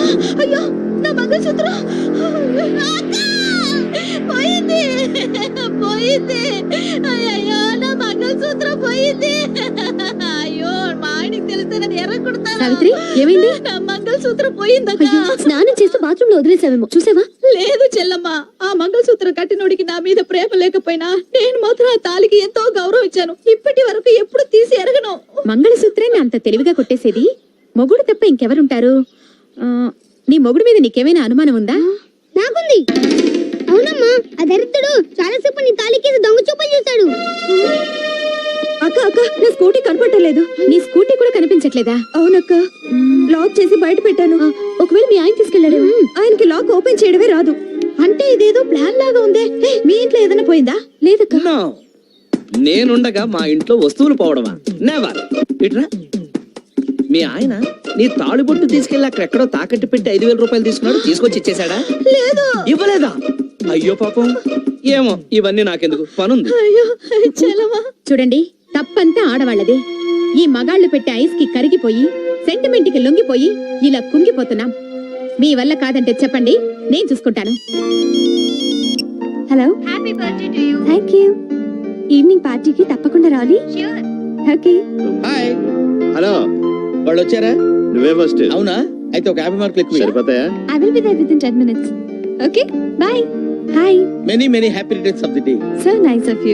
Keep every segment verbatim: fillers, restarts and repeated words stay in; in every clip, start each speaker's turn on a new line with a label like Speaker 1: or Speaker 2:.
Speaker 1: అయ్యో నా మంగళసూత్రం పోయింది పోయింది అయ్యో నా మంగళసూత్రం పోయింది. అయ్యో మా ఆయనకి తెలిస్తే నన్ను ఎర్రకొడతాను.
Speaker 2: సావిత్రి ఏమైంది?
Speaker 1: నా మంగళసూత్రం పోయిందక్క.
Speaker 2: స్నానం చేస్తూ బాత్రూమ్ లో వదిలేసావేమో చూసావా?
Speaker 1: లేదు చెల్లమ్మ, ఆ మంగళసూత్రం కట్టినోడికి నా మీద ప్రేమ లేకపోయినా నేను మాత్రం ఆ తాలికి ఎంతో గౌరవం ఇచ్చాను. ఇప్పటి వరకు ఎప్పుడు తీసి ఎరగను.
Speaker 2: మంగళసూత్రాన్ని అంత తెలివిగా కొట్టేసేది మొగుడు తప్ప ఇంకెవరుంటారు? నీ మొగుడు మీద నీకేమైనా అనుమానం ఉందా?
Speaker 3: నాకుంది. అవునమ్మా, ఆ దరిద్రుడు చాలాసేపు నీ తాలికి దొంగ చూపలు చూశాడు.
Speaker 1: అక్క అక్క నా స్కూటీ కనపడలేదు.
Speaker 2: నీ స్కూటీ కూడా కనిపించట్లేదా?
Speaker 1: అవునక్క, లాక్ చేసి బయట పెట్టాను.
Speaker 2: ఒకవేళ మీ ఆయన తీసుకెళ్ళాడు.
Speaker 1: ఆయనకి లాక్ ఓపెన్ చేయడమే రాదు. అంటే ఇదేదో ప్లాన్ లాగా ఉందే. మీ ఇంట్లో ఏదైనా పోయిందా?
Speaker 2: లేదక్క.
Speaker 4: నేనుండగా మా ఇంట్లో వస్తువులు పోవడమా? నెవర్. ఇట్రా, మీ ఆయన నీ తాళిబొట్టు తీసుకెళ్లి అక్కడెక్కడో తాకట్టు పెట్టి ఐదు వేల రూపాయలు తీసుకున్నాడు, తీసుకొచ్చి ఇచ్చేసాడా?
Speaker 1: లేదు.
Speaker 4: ఇవ్వలేదా? అయ్యో పాపం. ఏమో, ఇవన్నీ నాకెందుకు, పనుంది.
Speaker 1: అయ్యో చెల్లమ్మ.
Speaker 2: చూడండి, తప్పంతా ఆడవాళ్ళదే. ఈ మగాళ్ళు పెట్టే ఐస్ కి కరిగిపోయి సెంటిమెంట్ కి లొంగిపోయి ఇలా కుంగిపోతున్నాం. మీ వల్ల కాదంటే చెప్పండి, నేను చూసుకుంటాను. Hello,
Speaker 3: happy birthday to you.
Speaker 2: Thank you. Evening పార్టీకి తప్పకుండా రావాలి.
Speaker 3: ష్యూర్.
Speaker 2: ఓకే.
Speaker 4: హాయ్.
Speaker 5: హలో,
Speaker 4: వాళ్ళు వచ్చారా?
Speaker 5: నువ్వే ఫస్ట్.
Speaker 4: అవునా? అయితే ఒక యాభై మార్కులు ఎక్కువ.
Speaker 5: సరిపోతాయా?
Speaker 2: I will be there within ten minutes. Okay, bye. Hi.
Speaker 4: Many many happy returns of the day.
Speaker 2: So nice of you.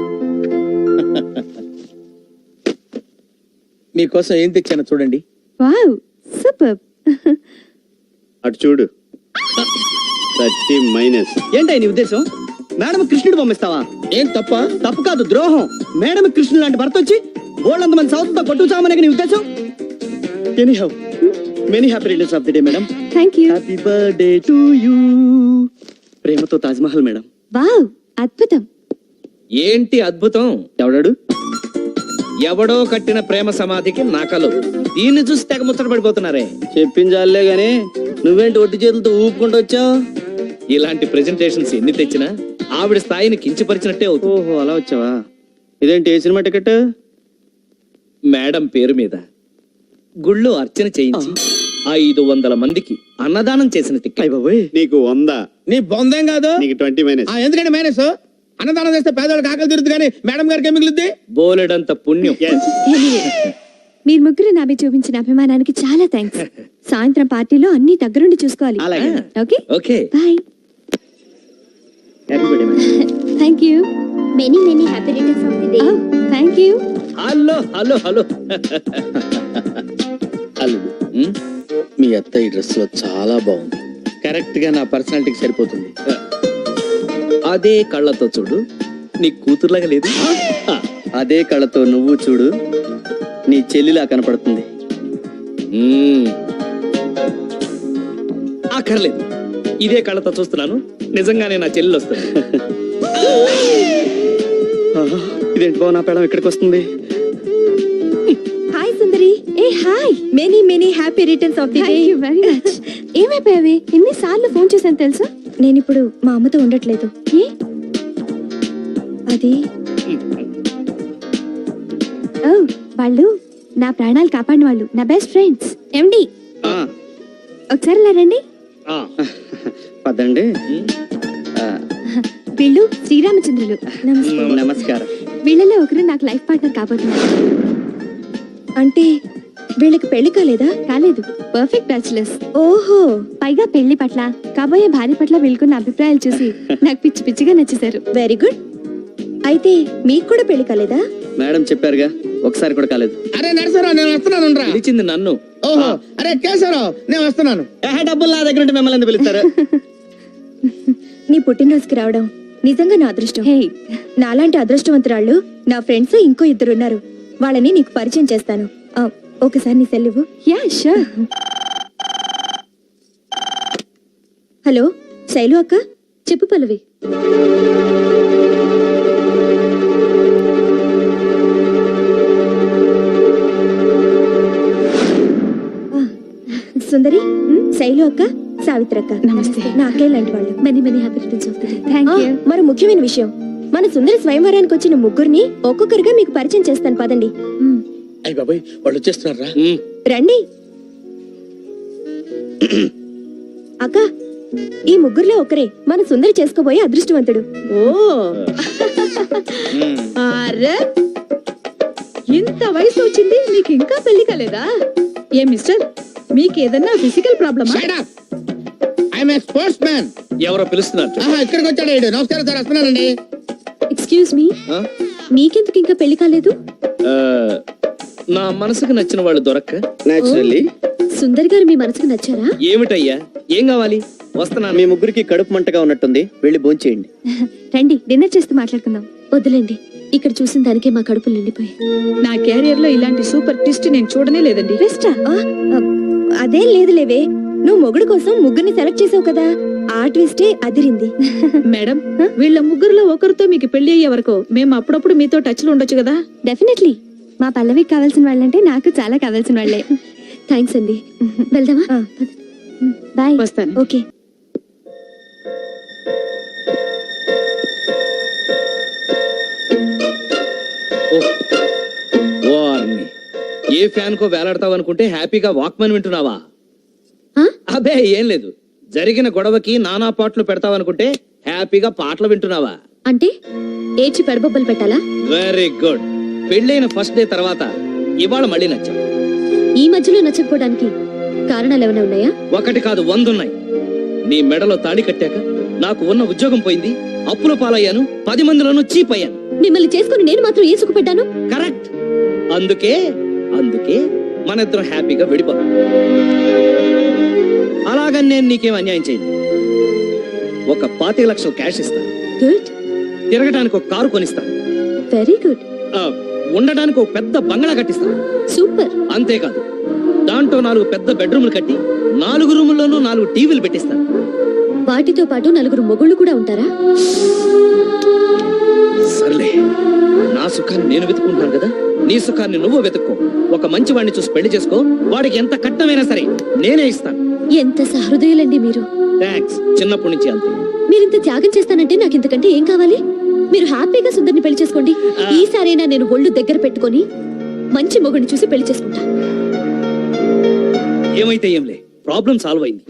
Speaker 4: మీకోసం ఏం తెచ్చానో చూడండి.
Speaker 2: Wow, super.
Speaker 5: అటు చూడు. Thirty minus.
Speaker 6: ఏంటో నీ ఉద్దేశం? మేడం కృష్ణుడు పంపిస్తావా?
Speaker 4: ఏం తప్ప?
Speaker 6: తప్పు కాదు, ద్రోహం. మేడం కృష్ణుడు లాంటి భర్త వచ్చి బోల్డంత మంది సౌత్తో కొట్టు చామనే నీ ఉద్దేశం? Anyhow, many happy returns of the day madam.
Speaker 2: Thank you.
Speaker 6: Happy birthday to you. ప్రేమతో తాజ్ మహల్ మేడం.
Speaker 2: వావ్, అద్భుతం.
Speaker 4: ఏంటి అద్భుతం?
Speaker 6: ఎవడాడు?
Speaker 4: ఎవడో కట్టిన ప్రేమ సమాధికి నాకలు. దీన్ని చూసి తెగ ముచ్చట పడిపోతున్నారే.
Speaker 6: చెప్పించాలే గాని నువ్వేంటి ఒట్టి చేతులతో ఊపుకుంటూ వచ్చావు?
Speaker 4: ఇలాంటి ప్రెజెంటేషన్స్ ఎన్ని తెచ్చినా ఆవిడ స్థాయిని కించపరిచినట్టే అవుతుంది.
Speaker 6: ఓహో, అలా వచ్చావా? ఇదేంటి ఏ సినిమా టికెట్?
Speaker 4: మేడం పేరు మీద గుళ్ళో అర్చన చేయించి ఐదు వందల మందికి అన్నదానం చేసిన టికెట్.
Speaker 6: అయ్య బాబోయ్.
Speaker 5: నీకు వంద.
Speaker 7: నీ బొందేం కాదు.
Speaker 5: నీకు ట్వంటీ మైనస్.
Speaker 7: ఆ, ఎందుకంటే మైనస్ అన్నదానం చేస్తే పేదవాళ్ళకి ఆకలి తీరుతుంది, కానీ మేడం గారికి ఏం మిగులుద్ది?
Speaker 4: బోలెడంత పుణ్యం.
Speaker 2: మీరు ముగ్గురు నా మీద చూపించిన అభిమానానికి చాలా థ్యాంక్స్. సాయంత్రం పార్టీలో అన్ని దగ్గరుండి చూసుకోవాలి.
Speaker 6: అలాగే.
Speaker 2: Okay
Speaker 4: okay.
Speaker 2: Bye.
Speaker 6: Happy birthday madam.
Speaker 2: Thank you.
Speaker 3: Many many happy returns of the day.
Speaker 2: Thank you.
Speaker 4: Hello hello hello.
Speaker 7: అల్లుడు,
Speaker 4: ఉమ్,
Speaker 7: మీ అత్త ఈ డ్రెస్ లో చాలా బాగుంది. కరెక్ట్ గా నా పర్సనాలిటీకి సరిపోతుంది.
Speaker 4: అదే కళ్ళతో చూడు, నీ కూతురులాగా లేదు.
Speaker 6: అదే కళ్ళతో నువ్వు చూడు, నీ చెల్లిలా కనపడుతుంది.
Speaker 4: ఉమ్, అక్కర్లేదు, ఇదే కళ్ళతో చూస్తున్నాను. నిజంగానే నా చెల్లెలు వస్తుంది.
Speaker 6: ఆహా, ఇదేంటి బావ, నా పేడం ఎక్కడికి వస్తుంది?
Speaker 2: హాయ్ సుందరి. ఏ hi. Many many happy returns of the day. Thank you very much. ఏమైపోయావే? ఎన్ని సార్లు ఫోన్ చేశాను తెలుసా? నేను ఇప్పుడు మా అమ్మతో ఉండట్లేదు. ఏ? అది ఓ, వాళ్ళు నా ప్రాణాలు కాపాడిన వాళ్ళు, నా బెస్ట్ ఫ్రెండ్స్. ఎండి,
Speaker 6: ఆ,
Speaker 2: ఒకసారి ఇలా రండి.
Speaker 4: ఆ,
Speaker 6: పదండి. ఆ,
Speaker 2: వీళ్ళు శ్రీరామచంద్రులు. నమస్తే.
Speaker 6: నమస్కారం.
Speaker 2: వీళ్ళలో ఒకరు నాకు లైఫ్ పార్ట్నర్ కాబోతున్నారు. అంటే వీళ్ళకి పెళ్లి కాలేదా? కాలేదు, పర్ఫెక్ట్ బ్యాచులర్స్. ఓహో, పైగా పెళ్లి పట్ల, కాబోయే భార్య పట్ల వీళ్ళకున్న అభిప్రాయాలు చూసి నాకు పిచ్చి పిచ్చిగా నచ్చేశారు. Very good. అయితే మీకు కూడా పెళ్లి కాలేదా?
Speaker 6: మేడం చెప్పారుగా, ఒకసారి కూడా కాలేదు.
Speaker 7: అరే నరసరావు, నేను వస్తున్నాను రా.
Speaker 4: పిలిచింది నన్ను.
Speaker 7: ఓహో, అరే కేశవరావు, నేను వస్తున్నాను.
Speaker 6: ఏహే, డబ్బులు నా దగ్గర ఉంటే మిమ్మల్ని ఎందుకు పిలుస్తారు?
Speaker 2: నీ పుట్టినరోజుకి రావడం నిజంగా నా అదృష్టం. నాలాంటి అదృష్టవంతురాళ్ళు నా ఫ్రెండ్స్ ఇంకో ఇద్దరున్నారు. వాళ్ళని నీకు పరిచయం చేస్తాను. ఆ, ఒకసారి నీ సెల్ ఇవ్వు. Yeah sure. హలో శైలు అక్క. చెప్పు పల్లవి. సుందరి, శైలు అక్క, సావిత్రి అక్క. నమస్తే. నా అక్కే లాంటి వాళ్ళు. Many many happy returns of the day. Thank you. మరి ముఖ్యమైన విషయం, మన సుందరి స్వయంవరానికి వచ్చిన ముగ్గురిని ఒక్కొక్కరిగా మీకు పరిచయం చేస్తాను, పదండి.
Speaker 7: అయ్య బాబాయ్, వాళ్ళు వచ్చేస్తున్నారా?
Speaker 4: ఉమ్,
Speaker 2: రండి. అక్క ఈ ముగ్గురులో ఒకరే మన సుందరి చేసుకోబోయే అదృష్టవంతుడు.
Speaker 1: ఓ అరే ఇంత వయసు వచ్చింది నీకు ఇంకా పెళ్లి కాలేదా? ఏ మిస్టర్ మీకు ఏదన్నా ఫిజికల్ ప్రాబ్లమా?
Speaker 7: I'm a sportsman.
Speaker 4: ఎవరో పిలుస్తున్నారు.
Speaker 7: ఇక్కడికి వచ్చాడు ఈడు. నమస్కారం సార్, వస్తున్నానండి.
Speaker 2: ఎక్స్క్యూజ్ మీ,
Speaker 4: ఆ?
Speaker 2: నీకెందుకు ఇంకా పెళ్లి కాలేదు?
Speaker 4: ఆ, నా మనసుకు నచ్చిన వాళ్ళు దొరక్క.
Speaker 6: నేచురల్లీ
Speaker 2: సుందరి గారు మీ మనసుకు నచ్చారా?
Speaker 4: ఏమిటయ్యా, ఏం కావాలి? వస్తున్నాను.
Speaker 6: మీ ముగ్గురికి కడుపు మంటగా ఉన్నట్టుంది, వెళ్ళి భోంచేయండి.
Speaker 2: రండి డిన్నర్ చేస్తూ మాట్లాడుకుందాం. వద్దులేండి, ఇక్కడ చూసిన దానికే మా కడుపులు నిండిపోయాయి.
Speaker 1: నా కెరియర్ లో ఇలాంటి సూపర్ ట్విస్ట్ నేను చూడనే లేదండి.
Speaker 2: బెస్టా? అదేం లేదు లేవే, నువ్వు మొగుడు కోసం ముగ్గురిని సెలెక్ట్ చేసావు కదా, ఆ ట్విస్టే అదిరింది.
Speaker 1: మేడం వీళ్ళ ముగ్గురులో ఒకరితో మీకు పెళ్లి అయ్యే వరకు మేము అప్పుడప్పుడు మీతో టచ్ లో ఉండొచ్చు కదా?
Speaker 2: డెఫినెట్లీ, మా పల్లవికి కావాల్సిన వాళ్ళంటే నాకు చాలా కావాల్సిన వాళ్ళే. థ్యాంక్స్ అండి. వెళ్దామా? బాయ్.
Speaker 1: వస్తాను.
Speaker 2: ఓకే.
Speaker 4: వారిని ఏ ఫ్యాన్ కో వేలాడతావు అనుకుంటే హ్యాపీగా వాక్మన్ వింటున్నావా?
Speaker 2: ఆ?
Speaker 4: అబే ఏం లేదు, జరిగిన గొడవకి నానా పాటలు పెడతావనుకుంటే హ్యాపీగా పాటలు వింటున్నావా?
Speaker 2: అంటే ఏడ్చి పెడబొబ్బలు పెట్టాలా?
Speaker 4: Very good. పెళ్ళైన ఫస్ట్ డే తర్వాత ఇవాళ మళ్ళీ నచ్చావు.
Speaker 2: ఈ మధ్యలో నచ్చకపోవడానికి కారణాలు ఏమైనా ఉన్నాయా?
Speaker 4: ఒకటి కాదు, వందున్నాయి. నీ మెడలో తాళి కట్టాక నాకు ఉన్న ఉద్యోగం పోయింది, అప్పుల పాలయ్యాను, పది మందిలోనూ చీప్ అయ్యాను.
Speaker 2: మిమ్మల్ని చేసుకుని నేను మాత్రం ఏ సుఖ పెట్టాను?
Speaker 4: కరెక్ట్. అందుకే అందుకే మన ఇద్దరం హ్యాపీగా విడిపోతాం. అలాగని నేను నీకేం అన్యాయం చేయను. ఒక పాతిక లక్షలు క్యాష్ ఇస్తాను,
Speaker 2: గుడ్,
Speaker 4: తిరగడానికి ఒక కారు కొనిస్తాను,
Speaker 2: వెరీ గుడ్,
Speaker 4: ఆ, ఉండడానికి ఒక పెద్ద బంగళా కట్టిస్తాను.
Speaker 2: సూపర్.
Speaker 4: అంతేకాదు, దాంట్లో నాలుగు పెద్ద బెడ్రూమ్లు కట్టి నాలుగు రూముల్లోనూ నాలుగు టీవీలు పెట్టిస్తాను.
Speaker 2: వాటితో పాటు నలుగురు మొగుళ్ళు కూడా ఉంటారా?
Speaker 4: సర్లే, నా సుఖాన్ని నేను వెతుకుంటాను కదా, నీ సుఖాన్ని నువ్వు వెతుక్కో. ఒక మంచి వాడిని చూసి పెళ్లి చేసుకో, వాడికి ఎంత కట్టమైనా సరే నేనే ఇస్తాను.
Speaker 2: ఎంత సహృదయులండి మీరు.
Speaker 4: థ్యాంక్స్. చిన్నప్పటి నుంచి అంతే.
Speaker 2: మీరింత త్యాగం చేస్తానంటే నాకు ఇంతకంటే ఏం కావాలి? మీరు హ్యాపీగా సుందరిని పెళ్లి చేసుకోండి. ఈసారైనా నేను ఒళ్ళు దగ్గర పెట్టుకొని మంచి మొగుడిని చూసి పెళ్లి చేసుకుంటా.
Speaker 4: ఏమైతే ఏంలే, ప్రాబ్లం సాల్వ్ అయింది.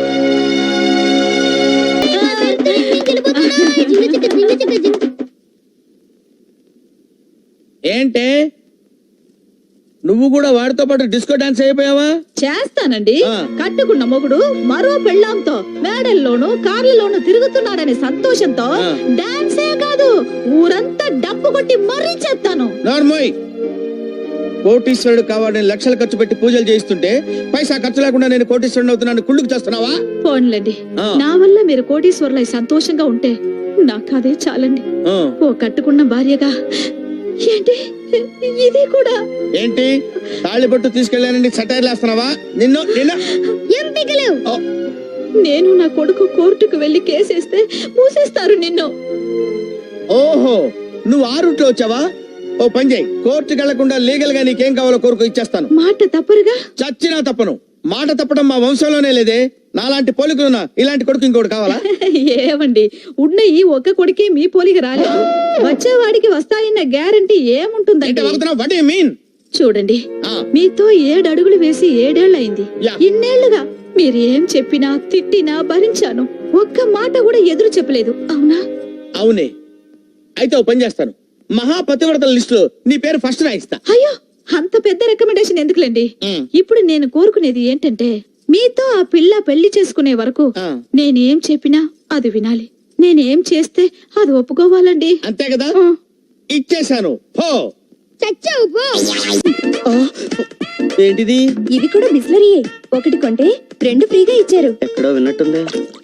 Speaker 7: ఏంటే నువ్వు కూడా వాడితో పాటు డిస్కో డాన్స్ అయిపోయావా?
Speaker 1: చేస్తానండి.
Speaker 7: ఆ.
Speaker 1: కట్టుకున్న మొగుడు మరో పెళ్ళాంతో మేడల్లోనూ కార్లలోనూ తిరుగుతున్నాడనే సంతోషంతో
Speaker 7: ఆ.
Speaker 1: డాన్సే కాదు ఊరంతా డప్పు కొట్టి మరీ చేస్తాను.
Speaker 7: నార్మోయ్, కోటీశ్వరుడు కావాలని లక్షలు ఖర్చు పెట్టి పూజలు చేయిస్తుంటే పైసా ఖర్చు లేకుండా నేను కోటీశ్వరుడు అవుతున్నాను కుళ్ళుకు చేస్తున్నావా?
Speaker 1: పోన్లండి,
Speaker 7: ఆ.
Speaker 1: నా వల్ల మీరు కోటీశ్వర్లై సంతోషంగా ఉంటే నాకు అదే చాలండి.
Speaker 7: ఆ.
Speaker 1: ఓ కట్టుకున్న భార్యగా ఏంటి ఇది కూడా?
Speaker 7: ఏంటి తాళిబొట్టు తీసుకెళ్ళానని సటైర్లు వేస్తున్నావా? నిన్ను నిన్న
Speaker 3: ఏం పిగలేవు?
Speaker 1: నేను నా కొడుకు కోర్టుకు వెళ్లి కేసేస్తే మూసేస్తారు నిన్ను.
Speaker 7: ఓహో, నువ్వు ఆ రూట్ లో వచ్చావా? ఓ పని చేయి, కోర్టుకి వెళ్లకుండా లీగల్ గా నీకేం కావాలో కోరుకు ఇచ్చేస్తాను.
Speaker 1: మాట తప్పరుగా?
Speaker 7: చచ్చినా తప్పను. మాట తప్పడం మా వంశంలోనే లేదే. నాలాంటి పోలికలున్నా ఇలాంటి కొడుకు ఇంకోటి కావాలా?
Speaker 1: ఏమండి, ఉన్న ఈ ఒక్క కొడుకే మీ పోలికి రాలేదు, వచ్చేవాడికి వస్తాయన్న గ్యారంటీ ఏముంటుందండి?
Speaker 7: What you mean?
Speaker 1: చూడండి,
Speaker 7: ఆ.
Speaker 1: మీతో ఏడు అడుగులు వేసి ఏడేళ్లయింది.
Speaker 7: యా.
Speaker 1: ఇన్నేళ్లుగా మీరు ఏం చెప్పినా తిట్టినా భరించాను, ఒక్క మాట కూడా ఎదురు చెప్పలేదు, అవునా?
Speaker 7: అవునే. అయితే ఓ పని చేస్తాను, మహాపతివ్రతల లిస్ట్ లో నీ పేరు ఫస్ట్ రాయిస్తా.
Speaker 1: అయ్యో, అంత పెద్ద రికమెండేషన్ ఎందుకులేండి.
Speaker 7: మ్.
Speaker 1: ఇప్పుడు నేను కోరుకునేది ఏంటంటే, మీతో ఆ పిల్ల పెళ్లి చేసుకునే వరకు
Speaker 7: ఆ.
Speaker 1: నేనేం చెప్పినా అది వినాలి, నేనేం చేస్తే అది ఒప్పుకోవాలండి.
Speaker 7: అంతే కదా?
Speaker 1: ఆ.
Speaker 7: ఇచ్చేశాను. పో.
Speaker 3: చచ్చావు పో.
Speaker 6: ఏంటిది?
Speaker 2: ఇవి కూడా బిస్లరీయే, ఒకటి కొంటే రెండు ఫ్రీగా ఇచ్చారు.
Speaker 6: ఎక్కడో విన్నట్టుంది.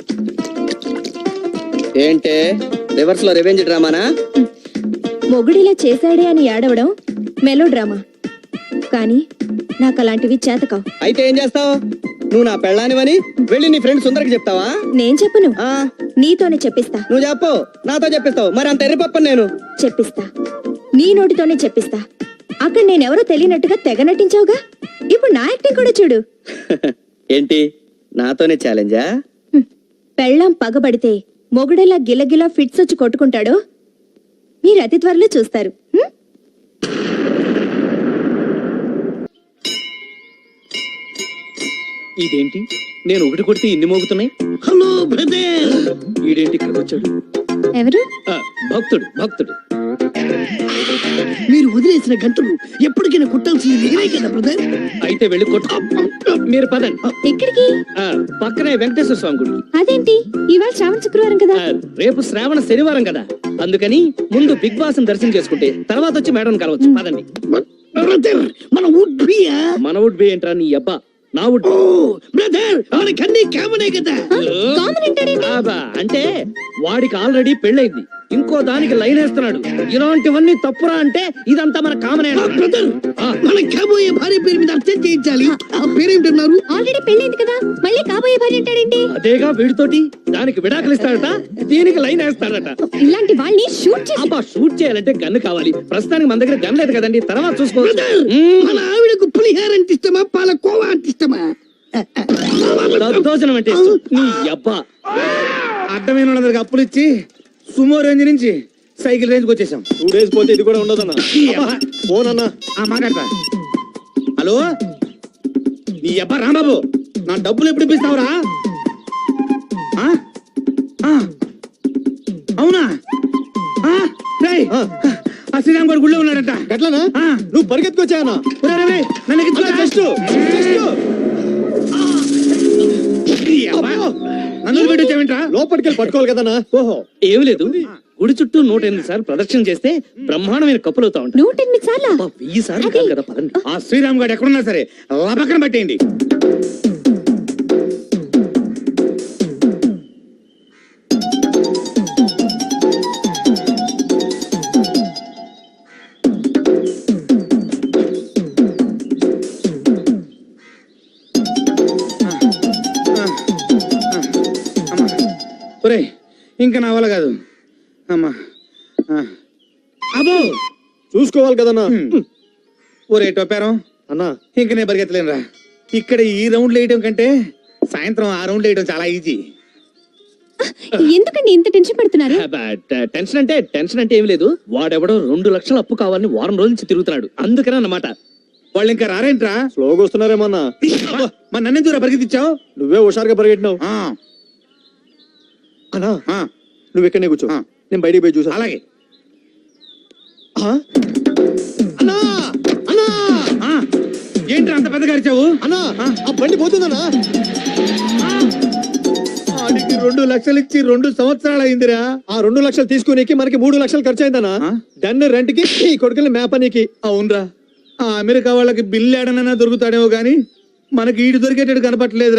Speaker 6: ఏంటే రివర్స్ లో రెవెంజ్ డ్రామానా?
Speaker 2: మొగుడిలా చేశాడే అని ఏడవడం మెలో డ్రామా, కానీ నాకు అలాంటివి చేతకావు.
Speaker 6: అయితే ఏం చేస్తావు? నువ్వు నా పెళ్ళానివని వెళ్ళి నీ ఫ్రెండ్ సుందరికి చెప్తావా?
Speaker 2: నేను చెప్పను,
Speaker 6: ఆ,
Speaker 2: నీతోనే చెప్పిస్తా.
Speaker 6: నువ్వు చెప్పు, నాతో చెప్పిస్తావు. మరి అంత ఎర్రిపప్పను నేను.
Speaker 2: చెప్పిస్తా, నీ నోటితోనే చెప్పిస్తా. అక్కడ నేనెవరో తెలియనట్టుగా తెగ నటించావుగా, ఇప్పుడు నా యాక్టింగ్ కూడా చూడు.
Speaker 6: ఏంటి, నాతోనే ఛాలెంజా?
Speaker 2: హ్మ్. పెళ్ళాం పగబడితే మొగుడెలా గిలగిలా ఫిట్స్ వచ్చి కొట్టుకుంటాడో మీరు అతి త్వరలో చూస్తారు. హ్మ్?
Speaker 4: ఇదేంటి నేను ఒకటి కొడితే ఇన్ని మోగుతున్నాయి.
Speaker 6: Hello brother.
Speaker 4: ఈడేంటి ఇక్కడికి వచ్చాడు?
Speaker 2: ఎవరు?
Speaker 4: ఆ, భక్తుడు భక్తుడు.
Speaker 6: మీరు వదిలేసిన గంటలు ఎప్పటికైనా కుట్టాల్సింది నేనే కదా బ్రదర్.
Speaker 4: అయితే వెళ్ళి కొట్టు. మీరు పదండి.
Speaker 2: ఎక్కడికి?
Speaker 4: ఆ, పక్కనే వెంకటేశ్వర స్వామి గుడికి.
Speaker 2: అదేంటి ఇవాళ శ్రావణ శుక్రవారం కదా?
Speaker 4: ఆ, రేపు శ్రావణ శనివారం కదా, అందుకని ముందు బిగ్ బాస్ దర్శనం చేసుకుంటే తర్వాత వచ్చి మేడం కలవచ్చు. పదండి.
Speaker 6: బ్రదర్ మన వుడ్ బియా.
Speaker 4: మన వుడ్ బి ఏంట్రా నీ అబ్బా? నా వుడ్
Speaker 6: ఓ బ్రదర్ మనకన్నీ కామనే కదా.
Speaker 2: కామన్ అంటాడేంటి?
Speaker 4: ఆబా, అంటే వాడికి ఆల్రెడీ పెళ్ళైంది, ఇంకో దానికి లైన్ వేస్తున్నాడు. ఇలాంటివన్నీ తప్పురా అంటే ఇదంతా మన కామనే.
Speaker 6: బ్రదర్
Speaker 4: ఆ.
Speaker 6: మన కాబోయే భార్య పేరు మీద అర్థం చేయించాలి. ఆ పేరేంటన్నారు?
Speaker 2: ఆల్రెడీ పెళ్ళైంది కదా, మళ్ళీ కాబోయే భార్య అంటాడేంటి?
Speaker 4: అదేగా వీడితోటి దానికి విడాకులు ఇస్తాడట, దీనికి లైన్ వేస్తాడట.
Speaker 2: ఇలాంటి వాళ్ళని షూట్ చేసి
Speaker 4: అబ్బా, షూట్ చేయాలంటే గన్ను కావాలి. ప్రస్తుతానికి మన దగ్గర గన్ లేదు కదండి, తర్వాత చూసుకోవచ్చు.
Speaker 6: బ్రదర్
Speaker 4: మ్మ్.
Speaker 6: మన ఆవిడకు పులిహార అంటే ఇష్టమా పాలకోవా అంటే ఇష్టమా?
Speaker 4: దద్దోజనం అంటే ఇష్టం. నీ అబ్బా.
Speaker 7: అడ్డమైన వాళ్ళందరికి అప్పులు ఇచ్చి సుమో రేంజ్ నుంచి సైకిల్ రేంజ్ వచ్చేసాం.
Speaker 5: టూ డేస్ పోతే ఇది కూడా ఉండదన్నా. ఫోన్ అన్నా.
Speaker 7: ఆ మాట్లాడతా. హలో, నీ అబ్బా రాంబాబు, నా డబ్బులు ఎప్పుడు ఇప్పిస్తావురా? ఆ? ఆ. అవునా? ఆ? రేయ్, ఆ శ్రీరామ్ గారు గుళ్ళో ఉన్నాడట.
Speaker 5: గట్లనా?
Speaker 7: ఆ.
Speaker 5: నువ్వు పరిగెత్తుకొచ్చాయన్నా.
Speaker 7: ఒరేయ్, ఒరేయ్, ఒరేయ్, నన్ను ఎక్కించుకోరా.
Speaker 5: జస్ట్
Speaker 7: ఈ అబ్బా, నన్ను పెట్టి వచ్చావేంట్రా?
Speaker 5: లోపలికి వెళ్ళి పట్టుకోవాలి కదన్నా.
Speaker 7: ఓహో,
Speaker 4: ఏమి లేదు, గుడి చుట్టూ నూట ఎనిమిది సార్లు ప్రదక్షిణ చేస్తే బ్రహ్మాండమైన కప్పులు అవుతా ఉంటాయి.
Speaker 2: నూట ఎనిమిది సార్లా?
Speaker 4: అబ్బా, వెయ్యి సార్లు కాదు కదా, పదండి.
Speaker 7: ఆ శ్రీరామ్ గారు ఎక్కడున్నా సరే లబకన పట్టేయండి. ఒరేయ్, ఇంకా నా వల్ల కాదు. అమ్మా. ఆ. అబ్బో,
Speaker 5: చూసుకోవాలి కదన్నా.
Speaker 7: ఒరే టొప్పారం,
Speaker 5: అన్నా
Speaker 7: ఇంక నేను పరిగెత్తలేనురా. ఇక్కడ ఈ రౌండ్లు వేయటం కంటే సాయంత్రం ఆ రౌండ్లు వేయటం చాలా ఈజీ.
Speaker 2: ఎందుకండి ఇంత టెన్షన్ పడుతున్నారు?
Speaker 4: అబ్బా, ట- టెన్షన్ అంటే టెన్షన్ అంటే ఏమి లేదు, వాడెవడో రెండు లక్షల అప్పు కావాలని వారం రోజుల నుంచి తిరుగుతున్నాడు, అందుకనే అన్నమాట.
Speaker 7: వాళ్ళు ఇంకా రారేంట్రా?
Speaker 5: స్లోగా వస్తున్నారేమన్నా.
Speaker 7: అబ్బా, మరి నన్ను దూరం పరిగెత్తిచ్చావు?
Speaker 5: నువ్వే హుషారుగా పరిగెట్టినావు.
Speaker 7: ఆ,
Speaker 5: అన్నా
Speaker 7: ఆ,
Speaker 5: నువ్వు ఇక్కడనే కూర్చో,
Speaker 7: ఆ.
Speaker 5: నేను బయటికి పోయి చూసా.
Speaker 7: అలాగే.
Speaker 5: ఆ? అన్నా అన్నా
Speaker 7: ఆ, ఏంట్రా అంత పెద్దగా అరిచావు?
Speaker 5: అన్నా ఆ బండి పోతుందన్నా.
Speaker 7: వాడికి రెండు లక్షలు ఇచ్చి రెండు సంవత్సరాలు అయిందిరా.
Speaker 5: ఆ రెండు లక్షలు తీసుకునేకి మనకి మూడు లక్షలు ఖర్చు అయిందన్నా.
Speaker 7: ఆ?
Speaker 5: దాన్ని రెంట్ కి ఈ కొడుకుని మేపనీకి.
Speaker 7: అవునరా, ఆ అమెరికా వాళ్ళకి బిల్లు ఏడనైనా దొరుకుతాడేమో గానీ మనకి ఈడు దొరికేటట్టు కనపట్లేదు.